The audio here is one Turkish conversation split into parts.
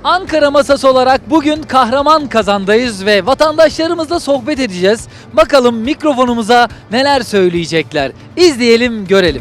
Ankara Masası olarak bugün Kahramanmaraş'tayız ve vatandaşlarımızla sohbet edeceğiz. Bakalım mikrofonumuza neler söyleyecekler. İzleyelim, görelim.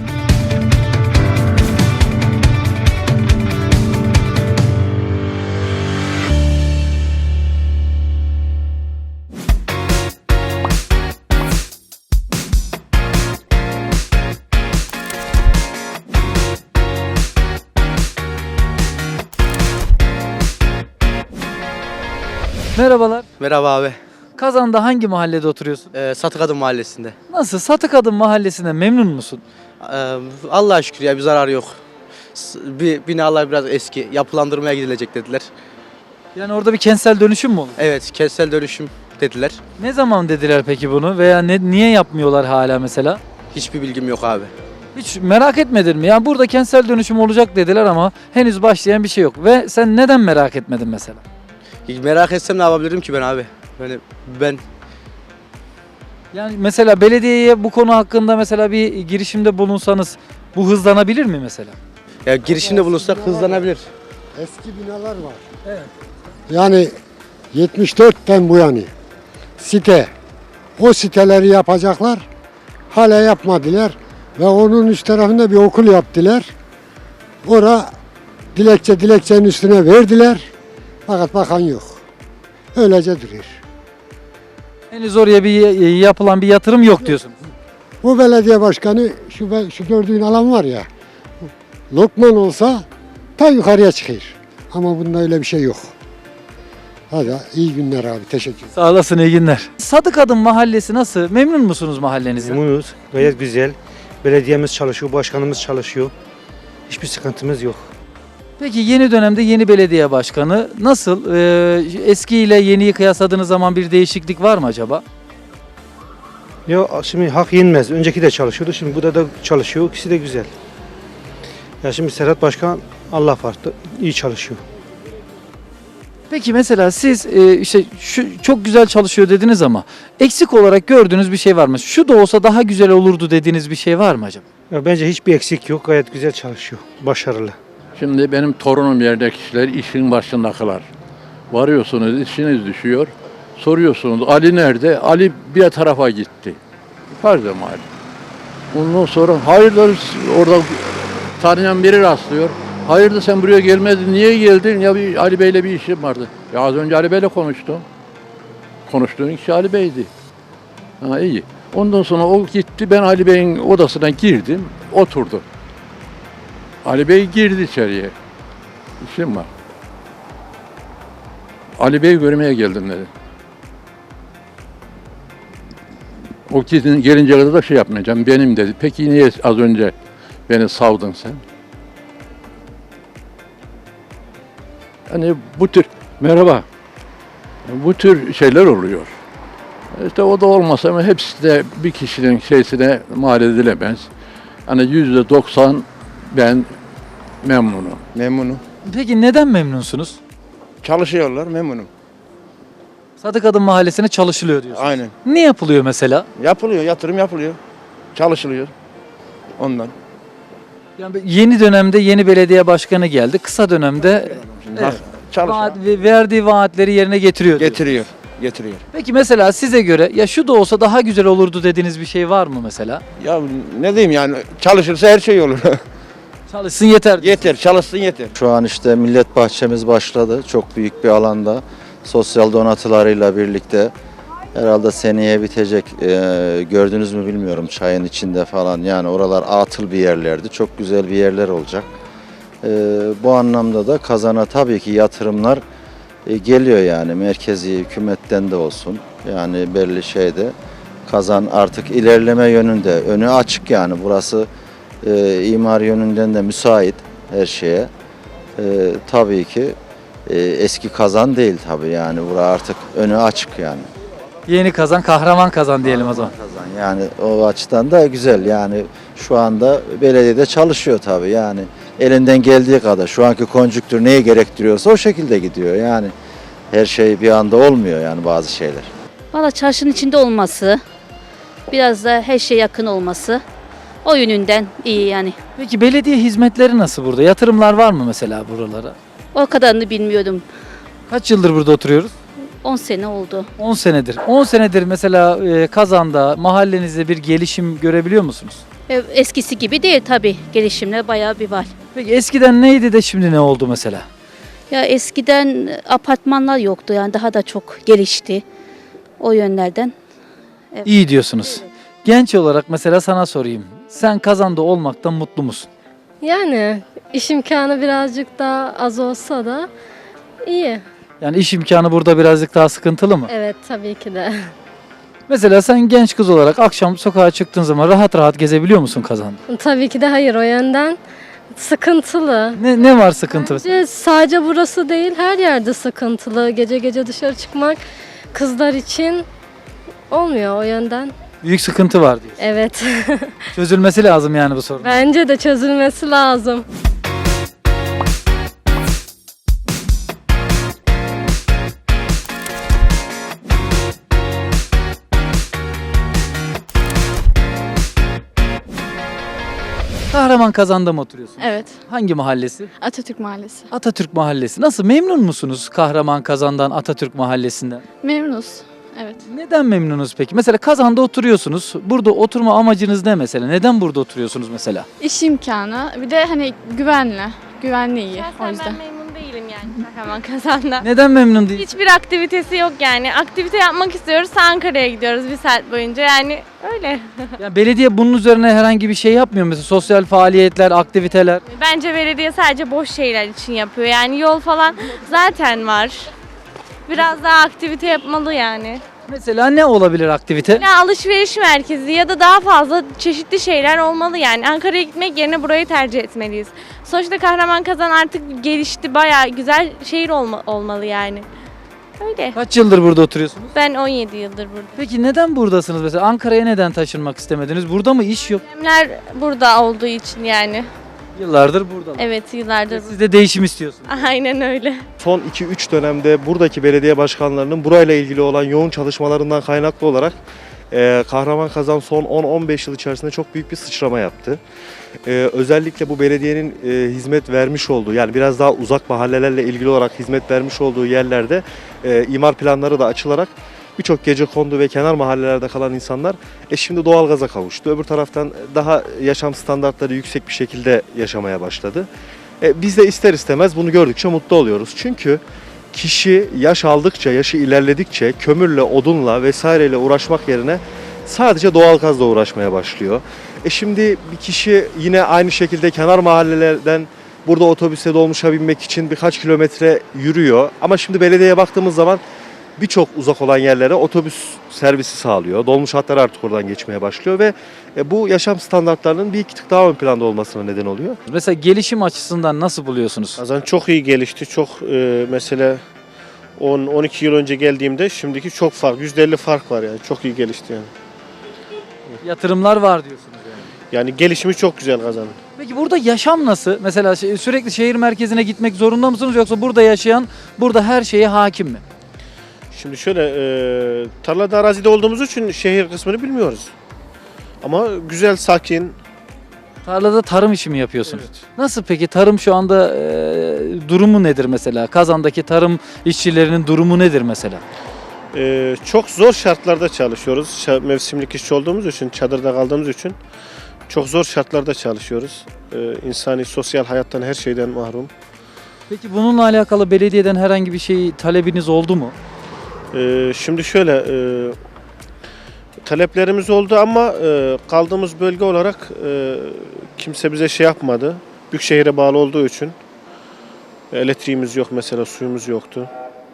Merhabalar. Merhaba abi. Kazan'da hangi mahallede oturuyorsun? Satıkadın Mahallesi'nde. Nasıl? Satıkadın Mahallesi'ne memnun musun? Allah'a şükür ya bir zarar yok. Binalar biraz eski. Yapılandırmaya gidilecek dediler. Yani orada bir kentsel dönüşüm mü olur? Evet, kentsel dönüşüm dediler. Ne zaman dediler peki bunu veya niye yapmıyorlar hala mesela? Hiçbir bilgim yok abi. Hiç merak etmedin mi? Yani burada kentsel dönüşüm olacak dediler ama henüz başlayan bir şey yok. Ve sen neden merak etmedin mesela? Merak etsem ne yapabilirim ki ben abi? Ben Yani mesela belediyeye bu konu hakkında mesela bir girişimde bulunsanız bu hızlanabilir mi mesela? ya girişimde bulunsak hızlanabilir. Eski binalar var. Evet. Yani 74'ten bu yani site. O siteleri yapacaklar. Hala yapmadılar. Ve onun üst tarafında bir okul yaptılar. Ora dilekçenin üstüne verdiler. Fakat bakan yok. Öylece duruyor. Henüz oraya bir yapılan bir yatırım yok diyorsun. Bu belediye başkanı şu gördüğün alan var ya. Lokman olsa ta yukarıya çıkıyor. Ama bunda öyle bir şey yok. Hadi iyi günler abi. Teşekkür ederim. Sağ olasın, iyi günler. Sadıkadın Mahallesi nasıl? Memnun musunuz mahallenizden? Memnunuz. Gayet güzel. Belediyemiz çalışıyor, başkanımız çalışıyor. Hiçbir sıkıntımız yok. Peki yeni dönemde yeni belediye başkanı nasıl? Eski ile yeniyi kıyasladığınız zaman bir değişiklik var mı acaba? Ya şimdi hak yenmez. Önceki de çalışıyordu. Şimdi burada da çalışıyor. İkisi de güzel. Ya şimdi Serhat Başkan Allah farklı. İyi çalışıyor. Peki mesela siz işte şu çok güzel çalışıyor dediniz ama eksik olarak gördüğünüz bir şey var mı? Şu da olsa daha güzel olurdu dediğiniz bir şey var mı acaba? Ya bence hiçbir eksik yok. Gayet güzel çalışıyor. Başarılı. Şimdi benim torunum yerde kişiler işin başındakiler. Varıyorsunuz, işiniz düşüyor. Soruyorsunuz Ali nerede? Ali bir tarafa gitti. Farz mal. Ondan sonra hayırdır orada tanıyan biri rastlıyor. Hayırdır sen buraya gelmedin, niye geldin? Ya bir Ali Bey'le bir işim vardı. Ya az önce Ali Bey'le konuştum. Konuştuğun kişi Ali Bey'di. Ha iyi. Ondan sonra o gitti, ben Ali Bey'in odasına girdim, oturdu. Ali Bey girdi içeriye. İşim var. Ali Bey'i görmeye geldim dedi. O gelince kadar da şey yapmayacağım, benim dedi. Peki niye az önce beni savdın sen? Hani bu tür, merhaba, bu tür şeyler oluyor. İşte o da olmasa ama hepsi de bir kişinin şeysine mal edilemez. Hani %90 ben memnunum. Memnunum. Peki neden memnunsunuz? Çalışıyorlar, memnunum. Sadıkadın Mahallesi'ne çalışılıyor diyorsunuz. Aynen. Ne yapılıyor mesela? Yapılıyor, yatırım yapılıyor. Çalışılıyor. Ondan. Yani yeni dönemde yeni belediye başkanı geldi. Kısa dönemde Hak, çalışıyor. verdiği vaatleri yerine getiriyor diyorsunuz. Getiriyor. Peki mesela size göre ya şu da olsa daha güzel olurdu dediğiniz bir şey var mı mesela? Ya ne diyeyim yani çalışırsa her şey olur. Çalışsın yeter. Yeter, çalışsın yeter. Şu an işte millet bahçemiz başladı. Çok büyük bir alanda. Sosyal donatılarıyla birlikte. Herhalde seneye bitecek. Gördünüz mü bilmiyorum çayın içinde falan. Yani oralar atıl bir yerlerdi. Çok güzel bir yerler olacak. Bu anlamda da Kazan'a tabii ki yatırımlar geliyor yani. Merkezi hükümetten de olsun. Yani belli şeyde. Kazan artık ilerleme yönünde. Önü açık yani. Burası imar yönünden de müsait her şeye. Tabii ki eski Kazan değil tabii yani. Burası artık önü açık yani. Yeni kazan, kahraman kazan diyelim o zaman. Kazan yani o açıdan da güzel yani şu anda belediyede çalışıyor tabii yani elinden geldiği kadar şu anki konjüktür neyi gerektiriyorsa o şekilde gidiyor yani her şey bir anda olmuyor yani bazı şeyler. Valla çarşının içinde olması, biraz da her şeye yakın olması o yönünden iyi yani. Peki belediye hizmetleri nasıl burada? Yatırımlar var mı mesela buralara? O kadarını bilmiyordum. Kaç yıldır burada oturuyoruz? 10 sene oldu. 10 senedir. 10 senedir mesela Kazan'da, mahallenizde bir gelişim görebiliyor musunuz? Eskisi gibi değil tabii. Gelişimler bayağı bir var. Peki eskiden neydi de şimdi ne oldu mesela? Ya eskiden apartmanlar yoktu yani daha da çok gelişti. O yönlerden. İyi diyorsunuz. Genç olarak mesela sana sorayım. Sen Kazan'da olmaktan mutlu musun? Yani iş imkanı birazcık daha az olsa da iyi. Yani iş imkanı burada birazcık daha sıkıntılı mı? Evet tabii ki de. Mesela sen genç kız olarak akşam sokağa çıktığın zaman rahat rahat gezebiliyor musun Kazan'da? Tabii ki de hayır, o yönden sıkıntılı. Ne var sıkıntı? Bence sadece burası değil, her yerde sıkıntılı. Gece gece dışarı çıkmak kızlar için olmuyor o yönden. Büyük sıkıntı var diyor. Evet. Çözülmesi lazım yani bu sorun. Bence de çözülmesi lazım. Kahraman Kazan'da mı oturuyorsun? Evet. Hangi mahallesi? Atatürk Mahallesi. Atatürk Mahallesi. Nasıl, memnun musunuz Kahraman Kazan'dan, Atatürk Mahallesi'nden? Memnunuz. Evet. Neden memnunuz peki? Mesela Kazan'da oturuyorsunuz. Burada oturma amacınız ne mesela? Neden burada oturuyorsunuz mesela? İş imkanı, bir de hani güvenli. Güvenli iyi o yüzden. Ben memnun değilim yani Kahraman Kazan'da. Neden memnun değil? Hiçbir aktivitesi yok yani. Aktivite yapmak istiyoruz, Ankara'ya gidiyoruz bir saat boyunca yani öyle. Yani belediye bunun üzerine herhangi bir şey yapmıyor mu? Mesela sosyal faaliyetler, aktiviteler. Bence belediye sadece boş şeyler için yapıyor. Yani yol falan zaten var. Biraz daha aktivite yapmalı yani. Mesela ne olabilir aktivite? Ya alışveriş merkezi ya da daha fazla çeşitli şeyler olmalı yani. Ankara'ya gitmek yerine burayı tercih etmeliyiz. Sonuçta Kahramanmaraş artık gelişti, bayağı güzel şehir olmalı yani. Öyle. Kaç yıldır burada oturuyorsunuz? Ben 17 yıldır burada. Peki neden buradasınız mesela? Ankara'ya neden taşınmak istemediniz? Burada mı iş yok? Annemler burada olduğu için yani. Yıllardır buradalar. Evet, yıllardır Siz de değişim istiyorsunuz. Aynen öyle. Son 2-3 dönemde buradaki belediye başkanlarının burayla ilgili olan yoğun çalışmalarından kaynaklı olarak Kahraman son 10-15 yıl içerisinde çok büyük bir sıçrama yaptı. Özellikle bu belediyenin hizmet vermiş olduğu, yani biraz daha uzak mahallelerle ilgili olarak hizmet vermiş olduğu yerlerde imar planları da açılarak birçok gecekondu ve kenar mahallelerde kalan insanlar şimdi doğalgaza kavuştu. Öbür taraftan daha yaşam standartları yüksek bir şekilde yaşamaya başladı. Biz de ister istemez bunu gördükçe mutlu oluyoruz. Çünkü kişi yaş aldıkça, yaşı ilerledikçe kömürle, odunla vesaireyle uğraşmak yerine sadece doğalgazla uğraşmaya başlıyor. Şimdi bir kişi yine aynı şekilde kenar mahallelerden burada otobüse, dolmuşa binmek için birkaç kilometre yürüyor. Ama şimdi belediyeye baktığımız zaman birçok uzak olan yerlere otobüs servisi sağlıyor. Dolmuş hatları artık oradan geçmeye başlıyor ve bu yaşam standartlarının bir iki tık daha ön planda olmasına neden oluyor. Mesela gelişim açısından nasıl buluyorsunuz? Kazan çok iyi gelişti. Çok mesela 10-12 yıl önce geldiğimde şimdiki çok fark. %50 fark var yani. Çok iyi gelişti yani. Yatırımlar var diyorsunuz yani. Yani gelişimi çok güzel Kazan'ın. Peki burada yaşam nasıl? Mesela sürekli şehir merkezine gitmek zorunda mısınız, yoksa burada yaşayan burada her şeye hakim mi? Şimdi şöyle tarlada arazide olduğumuz için şehir kısmını bilmiyoruz. Ama güzel, sakin. Tarlada tarım işi mi yapıyorsunuz? Nasıl peki tarım şu anda durumu nedir mesela? Kazan'daki tarım işçilerinin durumu nedir mesela? Çok zor şartlarda çalışıyoruz. Mevsimlik işçi olduğumuz için, çadırda kaldığımız için çok zor şartlarda çalışıyoruz. İnsani, sosyal hayattan, her şeyden mahrum. Peki bununla alakalı belediyeden herhangi bir şey talebiniz oldu mu? Şimdi şöyle taleplerimiz oldu ama kaldığımız bölge olarak kimse bize şey yapmadı. Büyükşehir'e bağlı olduğu için elektriğimiz yok mesela, suyumuz yoktu.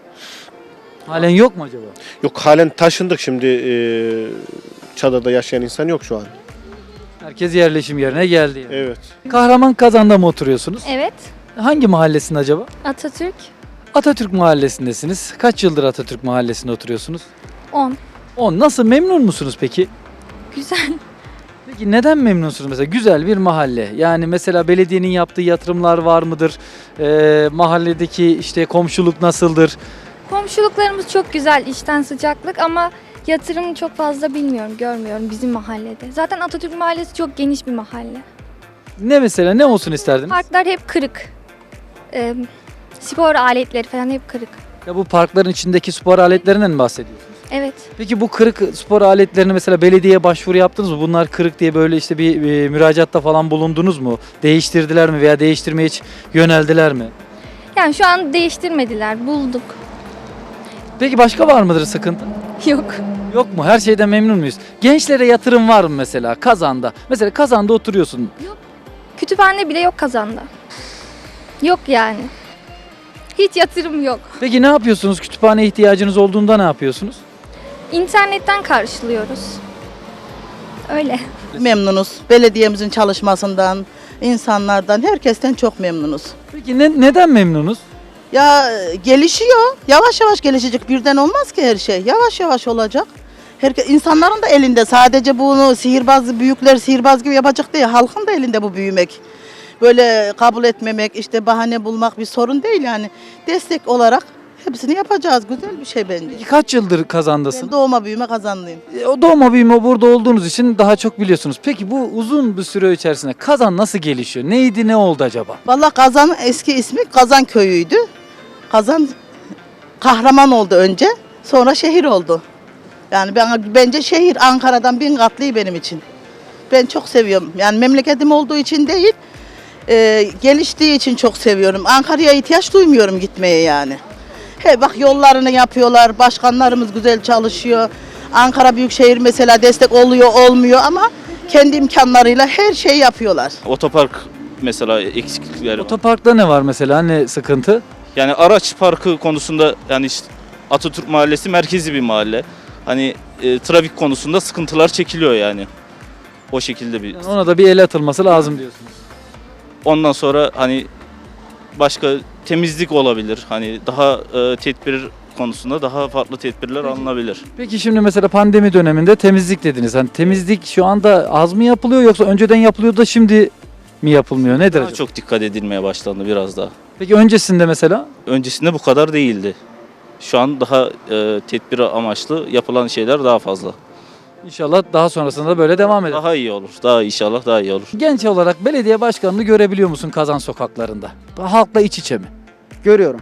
Halen yok mu acaba? Yok, halen taşındık şimdi, çadırda yaşayan insan yok şu an. Herkes yerleşim yerine geldi yani. Evet. Kahraman Kazan'da mı oturuyorsunuz? Evet. Hangi mahallesinde acaba? Atatürk Atatürk Mahallesi'ndesiniz. Kaç yıldır Atatürk Mahallesi'nde oturuyorsunuz? 10. 10. Nasıl, memnun musunuz peki? Güzel. Peki neden memnunsunuz mesela? Güzel bir mahalle. Yani mesela belediyenin yaptığı yatırımlar var mıdır? Mahalledeki işte komşuluk nasıldır? Komşuluklarımız çok güzel, içten sıcaklık, ama yatırım çok fazla bilmiyorum, görmüyorum bizim mahallede. Zaten Atatürk Mahallesi çok geniş bir mahalle. Ne mesela, ne olsun isterdiniz? Parklar hep kırık. Spor aletleri falan hep kırık. Ya bu parkların içindeki spor aletlerinden mi bahsediyorsunuz? Evet. Peki bu kırık spor aletlerini mesela belediyeye başvuru yaptınız mı? Bunlar kırık diye böyle işte bir müracaatta falan bulundunuz mu? Değiştirdiler mi veya değiştirmeye hiç yöneldiler mi? Yani şu an değiştirmediler. Bulduk. Peki başka var mıdır sıkıntı? Yok. Yok mu? Her şeyden memnun muyuz? Gençlere yatırım var mı mesela Kazan'da? Mesela Kazan'da oturuyorsun. Kütüphane bile yok Kazan'da. Yok yani. Hiç yatırım yok. Peki ne yapıyorsunuz? Kütüphane ihtiyacınız olduğunda ne yapıyorsunuz? İnternetten karşılıyoruz. Öyle. Memnunuz. Belediyemizin çalışmasından, insanlardan, herkesten çok memnunuz. Peki neden memnunuz? Ya gelişiyor. Yavaş yavaş gelişecek. Birden olmaz ki her şey. Yavaş yavaş olacak. İnsanların da elinde. Sadece bunu büyükler sihirbaz gibi yapacak değil. Halkın da elinde bu büyümek. Böyle kabul etmemek, işte bahane bulmak bir sorun değil yani. Destek olarak hepsini yapacağız. Güzel bir şey bence. Peki kaç yıldır Kazan'dasın? Ben doğma büyüme Kazanlıyım. O doğma büyüme burada olduğunuz için daha çok biliyorsunuz. Peki bu uzun bir süre içerisinde Kazan nasıl gelişiyor? Neydi, ne oldu acaba? Vallahi Kazan'ın eski ismi Kazan Köyü'ydü. Kazan kahraman oldu önce, sonra şehir oldu. Yani bence şehir Ankara'dan 1000 katlı benim için. Ben çok seviyorum. Yani memleketim olduğu için değil, geliştiği için çok seviyorum. Ankara'ya ihtiyaç duymuyorum gitmeye yani. Bak yollarını yapıyorlar, başkanlarımız güzel çalışıyor. Ankara Büyükşehir mesela destek oluyor, olmuyor ama kendi imkanlarıyla her şeyi yapıyorlar. Otopark mesela eksiklikleri var. Otoparkta ne var mesela? Ne sıkıntı? Yani araç parkı konusunda yani işte Atatürk Mahallesi merkezi bir mahalle. Hani trafik konusunda sıkıntılar çekiliyor yani. O şekilde bir. Yani ona da bir el atılması lazım diyorsunuz. Ondan sonra hani başka temizlik olabilir. Hani daha tedbir konusunda daha farklı tedbirler alınabilir. Peki şimdi mesela pandemi döneminde temizlik dediniz. Hani temizlik şu anda az mı yapılıyor yoksa önceden yapılıyor da şimdi mi yapılmıyor? Nedir Daha acaba? çok dikkat edilmeye başlandı biraz daha. Peki öncesinde mesela? Öncesinde bu kadar değildi. Şu an daha tedbir amaçlı yapılan şeyler daha fazla. İnşallah daha sonrasında böyle devam eder. Daha iyi olur. Daha inşallah daha iyi olur. Genç olarak belediye başkanını görebiliyor musun Kazan sokaklarında? Halkla iç içe mi? Görüyorum.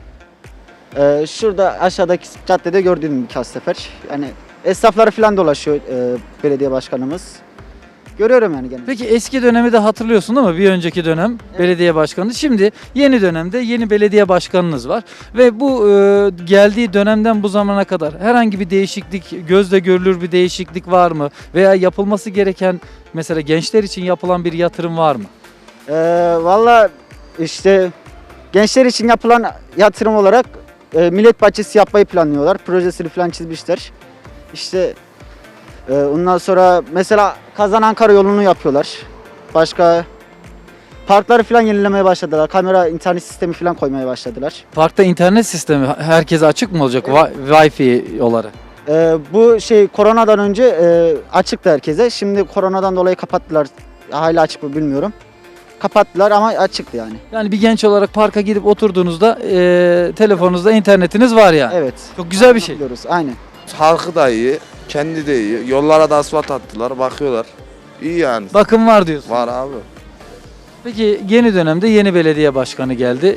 Şurada aşağıdaki caddede gördüğüm birkaç sefer. Yani esnafları falan dolaşıyor belediye başkanımız. Görüyorum yani genelde. Peki eski dönemi de hatırlıyorsun değil mi? Bir önceki dönem belediye başkanı. Şimdi yeni dönemde yeni belediye başkanınız var. Ve bu geldiği dönemden bu zamana kadar herhangi bir değişiklik, gözle görülür bir değişiklik var mı? Veya yapılması gereken mesela gençler için yapılan bir yatırım var mı? Valla işte gençler için yapılan yatırım olarak millet bahçesi yapmayı planlıyorlar. Projesini falan çizmişler. İşte ondan sonra mesela Kazan Ankara yolunu yapıyorlar. Başka parkları falan yenilemeye başladılar. Kamera internet sistemi falan koymaya başladılar. Parkta internet sistemi herkese açık mı olacak Wi-Fi olarak? Bu şey koronadan önce açıktı herkese. Şimdi koronadan dolayı kapattılar. Hala açık mı bilmiyorum. Kapattılar ama açıktı yani. Yani bir genç olarak parka gidip oturduğunuzda telefonunuzda internetiniz var yani. Evet. Çok güzel bir şey. Biliyoruz, aynen. Halkı da iyi, kendi de iyi. Yollara da asfalt attılar, bakıyorlar. İyi yani. Bakım var diyorsun. Var abi. Peki yeni dönemde yeni belediye başkanı geldi.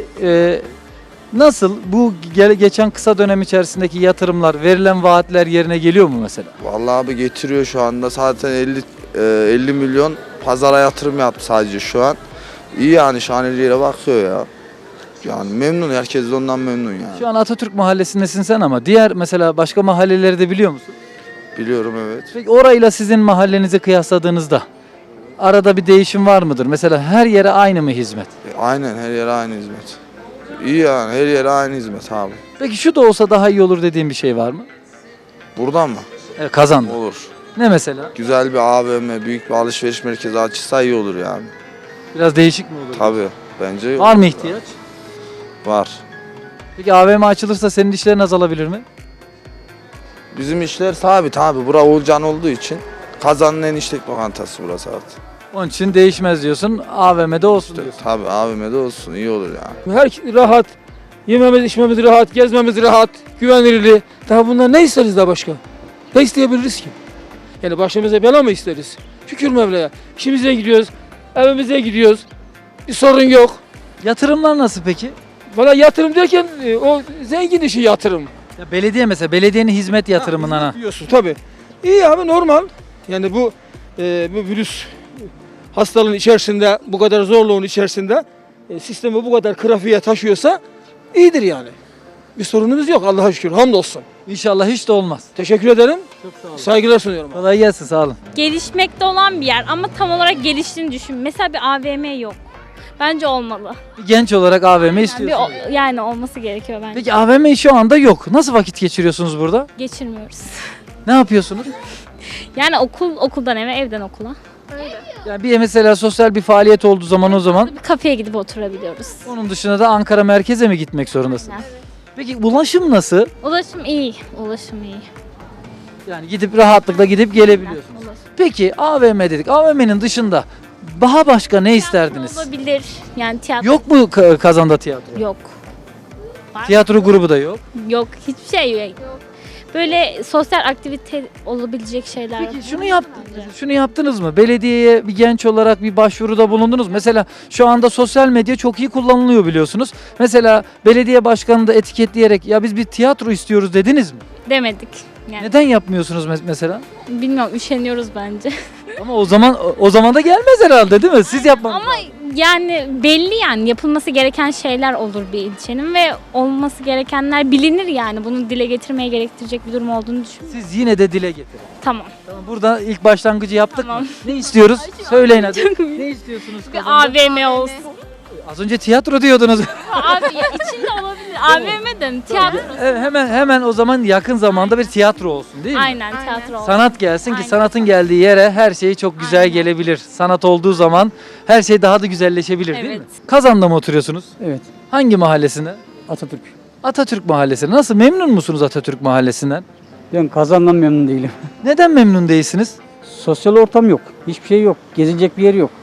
Nasıl bu geçen kısa dönem içerisindeki yatırımlar, verilen vaatler yerine geliyor mu mesela? Vallahi abi getiriyor şu anda. Zaten 50 milyon pazara yatırım yaptı sadece şu an. İyi yani şaneliyle bakıyor ya. Yani memnun, herkes de ondan memnun yani. Şu an Atatürk Mahallesi'ndesin sen ama diğer mesela başka mahalleleri de biliyor musun? Biliyorum evet. Peki orayla sizin mahallenizi kıyasladığınızda arada bir değişim var mıdır? Mesela her yere aynı mı hizmet? Aynen her yere aynı hizmet. İyi yani her yere aynı hizmet abi. Peki şu da olsa daha iyi olur dediğin bir şey var mı? Buradan mı? Evet, Kazan'da. Olur. Ne mesela? Güzel bir AVM, büyük bir alışveriş merkezi açılsa iyi olur yani. Biraz değişik mi olur? Tabii bence iyi Var olur mı ya. ihtiyaç? Var. Peki AVM açılırsa senin işlerin azalabilir mi? Bizim işler sabit abi. Bura Oğulcan olduğu için Kazan'ın en işlek lokantası burası artık. Onun için değişmez diyorsun. AVM'de olsun diyorsun. Tabii AVM'de olsun iyi olur yani. Her rahat, yememiz içmemiz rahat, gezmemiz rahat, güvenilirli. Daha bunlar ne isteriz daha başka? Ne isteyebiliriz ki? Yani başımıza bela mı isteriz? Şükür Mevla'ya. İşimize gidiyoruz, evimize gidiyoruz. Bir sorun yok. Yatırımlar nasıl peki? Valla yatırım derken o zengin işi yatırım. Ya belediye mesela belediyenin hizmet yatırımından ha. Diyorsun tabii. İyi abi normal. Yani bu virüs hastalığın içerisinde bu kadar zorluğun içerisinde sistemi bu kadar trafiğe taşıyorsa iyidir yani. Bir sorunumuz yok Allah'a şükür hamdolsun. İnşallah hiç de olmaz. Teşekkür ederim. Çok sağ olun. Saygılar sunuyorum. Kolay gelsin sağ olun. Gelişmekte olan bir yer ama tam olarak geliştiğini düşün. Mesela bir AVM yok. Bence olmalı. Bir genç olarak AVM istiyorsunuz. Yani olması gerekiyor bence. Peki AVM şu anda yok. Nasıl vakit geçiriyorsunuz burada? Geçirmiyoruz. Ne yapıyorsunuz? Yani okuldan eve, evden okula. Yani bir mesela sosyal bir faaliyet olduğu zaman o zaman Bir kafeye gidip oturabiliyoruz. onun dışında da Ankara merkeze mi gitmek zorundasın? Aynen. Peki ulaşım nasıl? Ulaşım iyi. Ulaşım iyi. Yani gidip rahatlıkla gidip gelebiliyorsunuz. Ulaşım. Peki AVM dedik. AVM'nin dışında daha başka ne isterdiniz? Olabilir. Yani tiyatro. Yok mu Kazan'da tiyatro? Yok. Var. Tiyatro grubu da yok. Yok. Hiçbir şey yok. Böyle sosyal aktivite olabilecek şeyler. Peki şunu yaptınız mı? Belediyeye bir genç olarak bir başvuruda bulundunuz mu? Mesela şu anda sosyal medya çok iyi kullanılıyor biliyorsunuz. Mesela belediye başkanını da etiketleyerek ya biz bir tiyatro istiyoruz dediniz mi? Demedik. Yani Neden yapmıyorsunuz mesela? bilmiyorum üşeniyoruz bence. Ama o zaman da gelmez herhalde değil mi? Siz yapmanız Ama yani belli yani yapılması gereken şeyler olur bir ilçenin ve olması gerekenler bilinir yani. Bunu dile getirmeye gerektirecek bir durum olduğunu düşünüyorum. Siz yine de dile getirin. Tamam. Tamam, burada ilk başlangıcı yaptık Tamam. mı? Ne istiyoruz? Söyleyin hadi. Ne istiyorsunuz? Bir AVM olsun. Az önce tiyatro diyordunuz. Abi ya içinde olabilir. AVM'den tiyatro. hemen o zaman yakın zamanda bir tiyatro olsun değil mi? Aynen tiyatro olsun. Sanat gelsin ki Aynen. sanatın geldiği yere her şey çok güzel gelebilir. Sanat olduğu zaman her şey daha da güzelleşebilir değil mi? Evet. Kazan'da mı oturuyorsunuz? Evet. Hangi mahallesinde? Atatürk. Atatürk Mahallesi. Nasıl memnun musunuz Atatürk Mahallesi'nden? Ben Kazan'dan memnun değilim. Neden memnun değilsiniz? Sosyal ortam yok. Hiçbir şey yok. Gezilecek bir yer yok.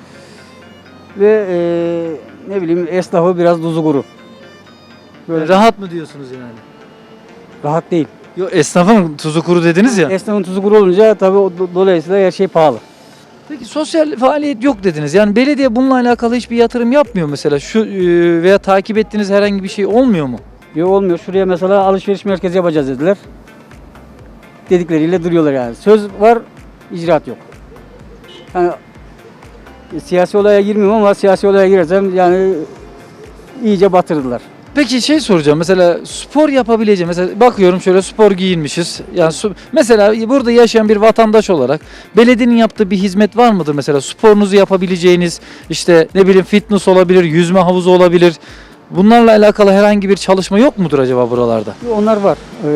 Ve ne bileyim esnafı biraz tuzu kuru. Böyle Rahat mı diyorsunuz yani? rahat değil. Yok esnafın tuzu kuru dediniz ya. Esnafın tuzu kuru olunca tabii dolayısıyla her şey pahalı. Peki sosyal faaliyet yok dediniz. Yani belediye bununla alakalı hiçbir yatırım yapmıyor mesela. Şu veya takip ettiğiniz herhangi bir şey olmuyor mu? Yok olmuyor. Şuraya mesela alışveriş merkezi yapacağız dediler. Dedikleriyle duruyorlar yani. Söz var, icraat yok. Yani siyasi olaya girmiyorum ama siyasi olaya girersem yani iyice batırdılar. Peki şey soracağım. Mesela spor yapabileceğim. Mesela bakıyorum şöyle spor giyinmişiz. Yani mesela burada yaşayan bir vatandaş olarak belediyenin yaptığı bir hizmet var mıdır? Mesela sporunuzu yapabileceğiniz işte ne bileyim fitness olabilir, yüzme havuzu olabilir. Bunlarla alakalı herhangi bir çalışma yok mudur acaba buralarda? Onlar var.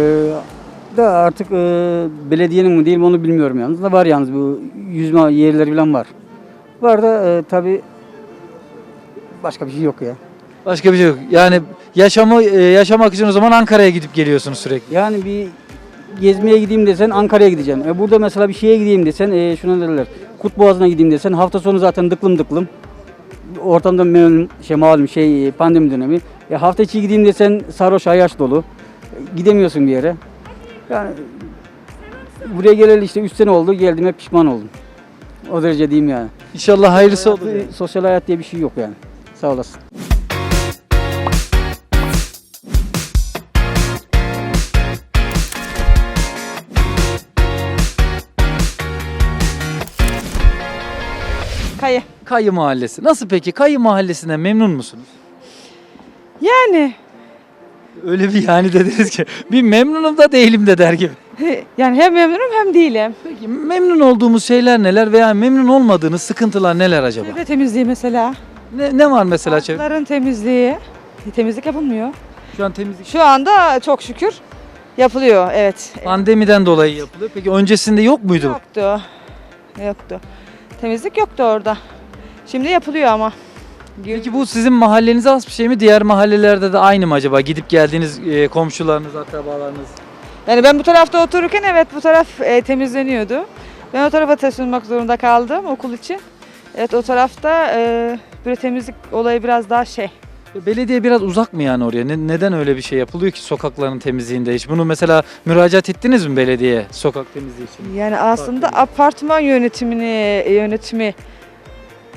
Da artık belediyenin mi değil mi onu bilmiyorum yalnız. Da var yalnız bu yüzme yerleri falan var. Var da tabii başka bir şey yok ya. Başka bir şey yok. Yani yaşamak için o zaman Ankara'ya gidip geliyorsunuz sürekli. Yani bir gezmeye gideyim desen Ankara'ya gideceksin. Burada mesela bir şeye gideyim desen şuna derler. Kutboğazı'na gideyim desen hafta sonu zaten dıklım. Ortamda malum pandemi dönemi. Hafta içi gideyim desen sarhoş ayaş dolu. Gidemiyorsun bir yere. Yani buraya geleli işte 3 sene oldu. Geldiğime pişman oldum. O derece diyeyim yani. İnşallah hayırlısı olur. Yani. Sosyal hayat diye bir şey yok yani. Sağ olasın. Kayı Mahallesi. Nasıl peki? Kayı Mahallesi'nden memnun musunuz? Yani Öyle bir yani dediniz ki bir memnunum da değilim de der gibi. yani hem memnunum hem değilim. Peki memnun olduğumuz şeyler neler veya memnun olmadığınız sıkıntılar neler acaba? Çevre temizliği mesela. Ne var mesela çevre? Parkların temizliği. Temizlik yapılmıyor. Şu an temizlik Şu anda çok şükür yapılıyor, evet. pandemiden dolayı yapılıyor. Peki öncesinde yok muydu? Yoktu. Temizlik yoktu orada. Şimdi yapılıyor ama. Peki bu sizin mahallenize has bir şey mi? Diğer mahallelerde de aynı mı acaba? Gidip geldiğiniz komşularınız, akrabalarınız? Yani ben bu tarafta otururken evet bu taraf temizleniyordu. Ben o tarafa taşınmak zorunda kaldım okul için. Evet o tarafta böyle temizlik olayı biraz daha Belediye biraz uzak mı yani oraya? Neden öyle bir şey yapılıyor ki sokakların temizliğinde hiç? Bunu mesela müracaat ettiniz mi belediyeye sokak temizliği için? Yani aslında apartman yönetimi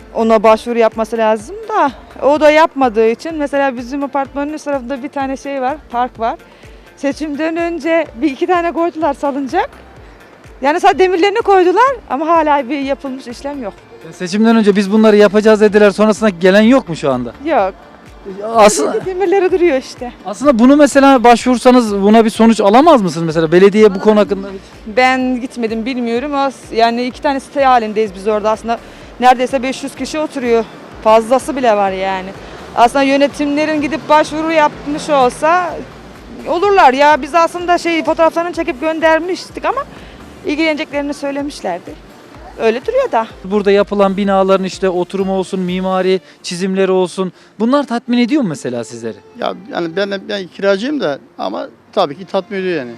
ona başvuru yapması lazım da o da yapmadığı için mesela bizim apartmanın üst tarafında bir tane şey var, park var. Seçimden önce bir iki tane koydular salıncak. Yani sadece demirlerini koydular ama hala bir yapılmış işlem yok. Seçimden önce biz bunları yapacağız dediler. Sonrasında gelen yok mu şu anda? Yok. Aslında Demirleri duruyor işte. bunu mesela başvursanız buna bir sonuç alamaz mısınız mesela? Belediye bu konu hakkında Ben gitmedim bilmiyorum. Yani iki tane site halindeyiz biz orada aslında. Neredeyse 500 kişi oturuyor. Fazlası bile var yani. Aslında yönetimlerin gidip başvuru yapmış olsa olurlar ya. Biz aslında fotoğraflarını çekip göndermiştik ama ilgileneceklerini söylemişlerdi. Öyle duruyor da. burada yapılan binaların işte oturumu olsun, mimari çizimleri olsun. Bunlar tatmin ediyor mu mesela sizleri? Ya yani ben kiracıyım da ama tabii ki tatmin ediyor yani.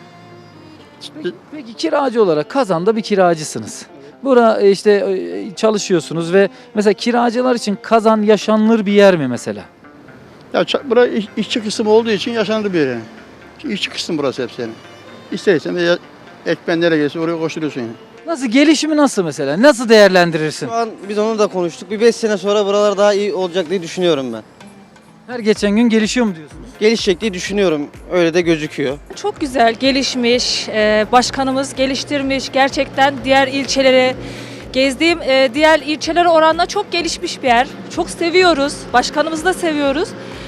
Peki kiracı olarak Kazan'da bir kiracısınız. Burada işte çalışıyorsunuz ve mesela kiracılar için Kazan yaşanılır bir yer mi mesela? Ya bura işçi kısmı olduğu için yaşanır bir yer yani. İşçi kısmı burası hepsi yani. İstersen de ekmen nereye gelirse oraya koşturuyorsun yani. Nasıl gelişimi nasıl mesela? Nasıl değerlendirirsin? Şu an biz onu da konuştuk. Bir 5 sene sonra buralar daha iyi olacak diye düşünüyorum ben. Her geçen gün gelişiyor mu diyorsunuz? Gelişecek diye düşünüyorum. Öyle de gözüküyor. Çok güzel, gelişmiş, başkanımız geliştirmiş. Gerçekten diğer ilçelere, gezdiğim diğer ilçelere oranla çok gelişmiş bir yer. Çok seviyoruz, başkanımızı da seviyoruz.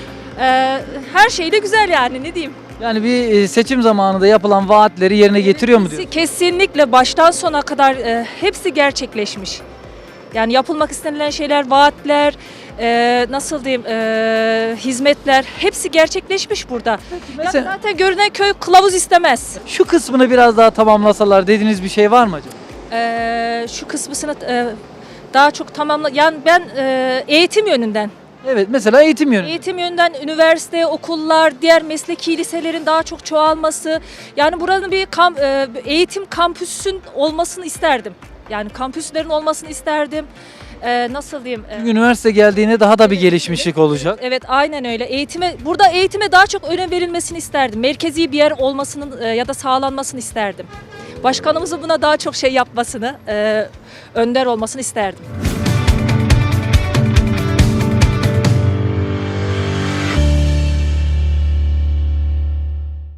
Her şey de güzel yani, ne diyeyim. Yani bir seçim zamanında yapılan vaatleri yerine getiriyor mu diyorsunuz? Kesinlikle baştan sona kadar hepsi gerçekleşmiş. Yani yapılmak istenilen şeyler, vaatler, nasıl diyeyim, hizmetler hepsi gerçekleşmiş burada. mesela- Yani zaten görünen köy kılavuz istemez. Şu kısmını biraz daha tamamlasalar dediğiniz bir şey var mı acaba? Şu kısmını daha çok yani ben eğitim yönünden. Evet, mesela eğitim yönü. Eğitim yönünden üniversite, okullar, diğer mesleki liselerin daha çok çoğalması. Yani buranın bir eğitim kampüsün olmasını isterdim. Yani kampüslerin olmasını isterdim. Nasıl diyeyim? Üniversite geldiğinde daha da bir gelişmişlik olacak. Evet, aynen öyle. Burada eğitime daha çok önem verilmesini isterdim. Merkezi bir yer olmasının ya da sağlanmasını isterdim. Başkanımızın buna daha çok yapmasını, önder olmasını isterdim.